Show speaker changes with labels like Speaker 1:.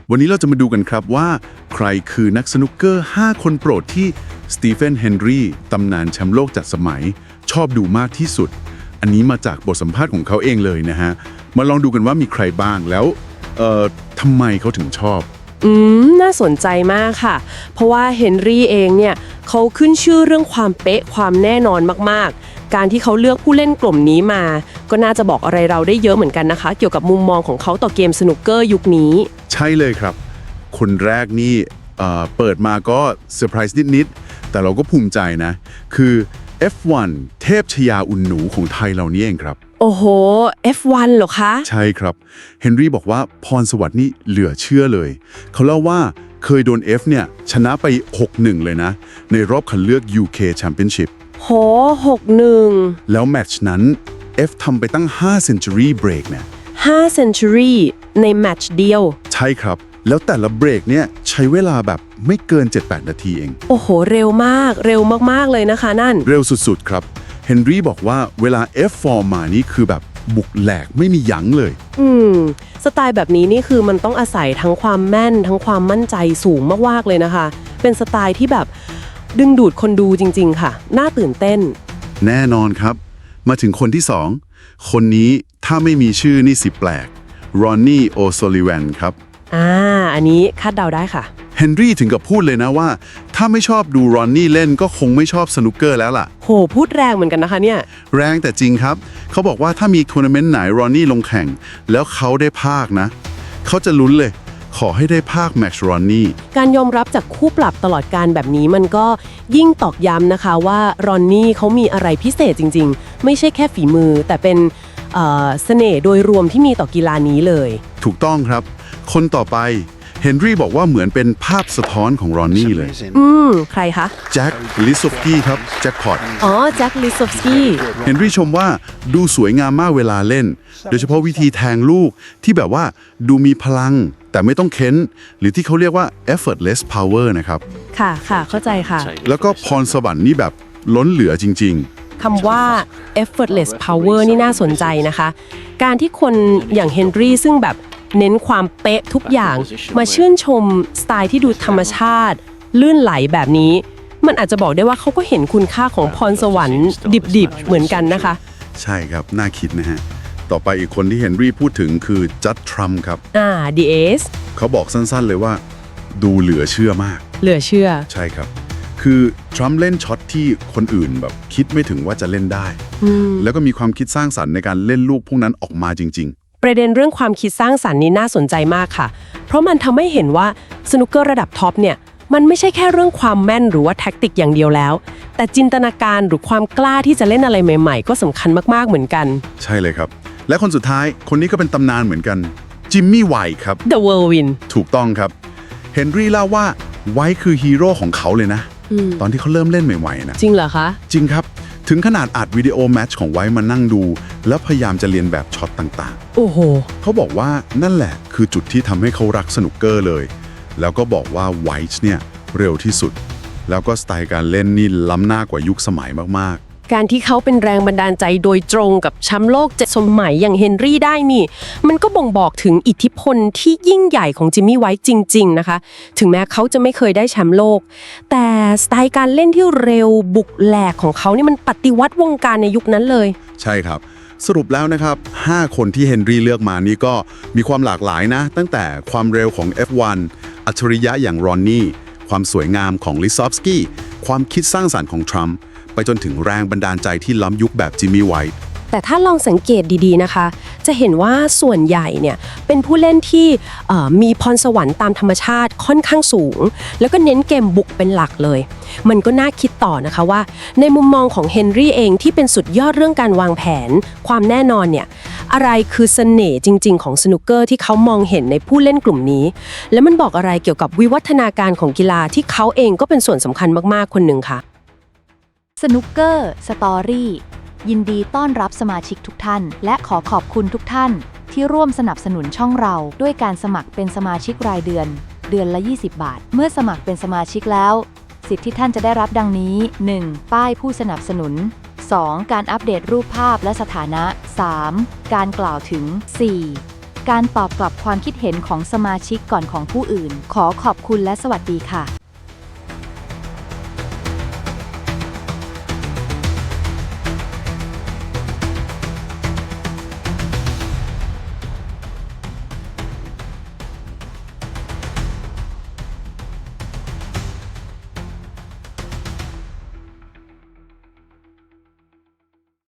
Speaker 1: วันนี้เราจะมาดูกันครับว่าใครคือนักสนุกเกอร์ 5 คนโปรดที่สตีเฟน เฮนรีตำนานแชมป์โลกจัดสมัยชอบดูมากที่สุด อันนี้มาจากบทสัมภาษณ์ของเขาเองเลยนะฮะ มาลองดูกันว่ามีใครบ้างแล้วทำไมเขาถึงชอบ
Speaker 2: น่าสนใจมากค่ะ เพราะว่าเฮนรี่เองเนี่ยเขาขึ้นชื่อเรื่องความเป๊ะความแน่นอนมากๆ การที่เขาเลือกผู้เล่นกลุ่มนี้มา ก็น่าจะบอกอะไรเราได้เยอะเหมือนกันนะคะ เกี่ยวกับมุมมองของเขาต่อเกมสนุกเกอร์ยุคนี้
Speaker 1: ใช่เลยครับ คนแรกนี่เปิดมาก็เซอร์ไพรส์นิดๆแต่เราก็ภูมิใจนะ คือ F1 เทพชยาอุ่นหนูของไทยเรานี่เองครับ
Speaker 2: โอ้โห F1 เหรอคะ
Speaker 1: ใช่ครับ เฮนรี่บอกว่าพรสวรรค์นี่เหลือเชื่อเลย เขาเล่าว่าเคยโดน F เนี่ยชนะไป 6-1 เลยนะ ในรอบคัดเลือก UK Championship
Speaker 2: โห6-1
Speaker 1: แล้วแมตช์นั้น F ทำไปตั้ง 5 century break เนี่ย
Speaker 2: 5 century ในแมตช์เดียว
Speaker 1: ใช่ครับ แล้วแต่ละเบรกเนี่ยใช้เวลาแบบไม่เกิน 7-8 นาทีเอง
Speaker 2: โอ้โห เร็วมาก เร็วมากๆเลยนะคะนั่น
Speaker 1: เร็วสุดๆครับ เฮนรี่บอกว่าเวลา F ฟอร์มมานี่คือแบบบุกแหลกไม่มียั้งเลย
Speaker 2: สไตล์แบบนี้นี่คือมันต้องอาศัยทั้งความแม่นทั้งความมั่นใจสูงมากๆเลยนะคะ เป็นสไตล์ที่แบบดึงดูดคนดูจริงๆค่ะ น่าตื่นเต้น
Speaker 1: แน่นอนครับ มาถึงคนที่ 2 คนนี้ถ้าไม่มีชื่อนี่สิแปลก รอนนี่ โอโซลิแวนครับ
Speaker 2: อันนี้คาดเดาได้ค่ะ
Speaker 1: เฮนรี่ถึงกับพูดเลยนะว่า ถ้าไม่ชอบดูรอนนี่เล่นก็คงไม่ชอบสนุกเกอร์แล้วล่ะ
Speaker 2: โห พูดแรงเหมือนกันนะคะเนี่ย
Speaker 1: แรงแต่จริงครับ เขาบอกว่าถ้ามีทัวร์นาเมนต์ไหนรอนนี่ลงแข่ง แล้วเขาได้ภาคนะ เขาจะลุ้นเลย ขอให้ได้ภาคแม็กซ์รอนนี่
Speaker 2: การยอมรับจากคู่ปรับตลอดการแบบนี้มันก็ยิ่งตอกย้ำนะคะว่ารอนนี่เขามีอะไรพิเศษจริงๆ ไม่ใช่แค่ฝีมือ แต่เป็นเสน่ห์โดยรวมที่มีต่อกีฬานี้เลย
Speaker 1: ถูกต้องครับ คนต่อไปเฮนรี่บอกว่าเหมือนเป็นภาพสะท้อนของรอนนี่เลย
Speaker 2: ใครคะ
Speaker 1: แจ็ค ลิซอฟกี้ครับ แจ็คพอต
Speaker 2: อ๋อ แจ็ค ลิซอฟสกี้
Speaker 1: เฮนรี่ชมว่าดูสวยงามมากเวลาเล่น โดยเฉพาะวิธีแทงลูกที่แบบว่าดูมีพลัง แต่ไม่ต้องเค้น หรือที่เขาเรียกว่า effortless power นะครับ
Speaker 2: ค่ะ เข้าใจค่ะ
Speaker 1: แล้วก็พรสวรรค์นี่แบบล้นเหลือจริง
Speaker 2: คำว่า effortless power นี่น่าสนใจนะคะ การที่คนอย่างเฮนรี่ซึ่งแบบเน้นความเป๊ะทุกอย่าง มาชื่นชมสไตล์ที่ดูธรรมชาติ ลื่นไหลแบบนี้ มันอาจจะบอกได้ว่าเขาก็เห็นคุณค่าของพรสวรรค์ดิบๆเหมือนกันนะคะ
Speaker 1: ๆ ใช่ครับ น่าคิดนะฮะ ต่อไปอีกคนที่เฮนรี่พูดถึงคือจัดทรัมป์ครับ
Speaker 2: DS
Speaker 1: เขาบอกสั้นๆเลยว่า ดูเหลือเชื่อมาก
Speaker 2: เหลือเชื่อ
Speaker 1: ใช่ครับ คือทรัมป์เล่นช็อตที่คนอื่นแบบคิดไม่ถึงว่าจะเล่นได้ แล้วก็มีความคิดสร้างสรรค์ในการเล่นลูกพวกนั้นออกมาจริง
Speaker 2: ประเด็นเรื่องความคิดสร้างสรรค์นี้น่าสนใจมากค่ะ เพราะมันทำให้เห็นว่าสนุกเกอร์ระดับท็อปเนี่ยมันไม่ใช่แค่เรื่องความแม่นหรือว่าแท็กติกอย่างเดียวแล้ว แต่จินตนาการหรือความกล้าที่จะเล่นอะไรใหม่ๆ ก็สำคัญมากๆเหมือนกัน
Speaker 1: ๆ ใช่เลยครับ และคนสุดท้ายคนนี้ก็เป็นตำนานเหมือนกัน จิมมี่ไวท์ครับ
Speaker 2: The Whirlwind
Speaker 1: ถูกต้องครับ เฮนรี่เล่าว่าไวท์คือฮีโร่ของเขาเลยนะ ตอนที่เขาเริ่มเล่นใหม่ๆนะ
Speaker 2: จริงเหรอคะ
Speaker 1: จริงครับ ถึงขนาดอัดวิดีโอแมตช์ของไวท์มานั่งดู แล้วพยายามจะเรียนแบบช็อตต่าง
Speaker 2: โอ้โห
Speaker 1: ๆ เขาบอกว่านั่นแหละคือจุดที่ทำให้เขารักสนุกเกอร์เลย แล้วก็บอกว่าไวท์เนี่ยเร็วที่สุด แล้วก็สไตล์การเล่นนี่ล้ำหน้ากว่ายุคสมัยมากๆ
Speaker 2: การที่เขาเป็นแรงบันดาลใจโดยตรงกับแชมป์โลก7 สมัยอย่างเฮนรี่ได้นี่ มันก็บ่งบอกถึงอิทธิพลที่ยิ่งใหญ่ของจิมมี่ไวท์จริงๆนะคะ ถึงแม้เขาจะไม่เคยได้แชมป์โลก แต่สไตล์การเล่นที่เร็วบุกแหลกของเขานี่มันปฏิวัติวงการในยุคนั้นเลย
Speaker 1: ใช่ครับ สรุปแล้วนะครับ 5 คนที่เฮนรี่เลือกมานี่ก็มีความหลากหลายนะ ตั้งแต่ความเร็วของ F1 อัจฉริยะอย่างรอนนี่ความสวยงามของลิซอฟสกี้ความคิดสร้างสรรค์ของทรัมป์ไปจนถึงแรงบันดาลใจที่ล้ำยุคแบบจิมมี่ไวท์
Speaker 2: แต่ถ้าลองสังเกตดีๆนะคะ จะเห็นว่าส่วนใหญ่เนี่ยเป็นผู้เล่นที่มีพรสวรรค์ตามธรรมชาติค่อนข้างสูง แล้วก็เน้นเกมบุกเป็นหลักเลย มันก็น่าคิดต่อนะคะว่าในมุมมองของเฮนรี่เองที่เป็นสุดยอดเรื่องการวางแผนความแน่นอนเนี่ยอะไรคือเสน่ห์จริงๆของสนุกเกอร์ที่เขามองเห็นในผู้เล่นกลุ่มนี้ และมันบอกอะไรเกี่ยวกับวิวัฒนาการของกีฬาที่เขาเองก็เป็นส่วนสำคัญมากๆคนหนึ่งค่ะ
Speaker 3: สนุกเกอร์สตอรี่ยินดีต้อนรับสมาชิกทุกท่านและขอขอบคุณทุกท่านที่ร่วมสนับสนุนช่องเราด้วยการสมัครเป็นสมาชิกรายเดือนละ20 บาทเมื่อสมัครเป็นสมาชิกแล้วสิทธิที่ท่านจะได้รับดังนี้ 1. ป้ายผู้สนับสนุน 2. การอัปเดตรูปภาพและสถานะ 3. การกล่าวถึง 4. การตอบกลับความคิดเห็นของสมาชิกก่อนของผู้อื่น ขอขอบคุณและสวัสดีค่ะ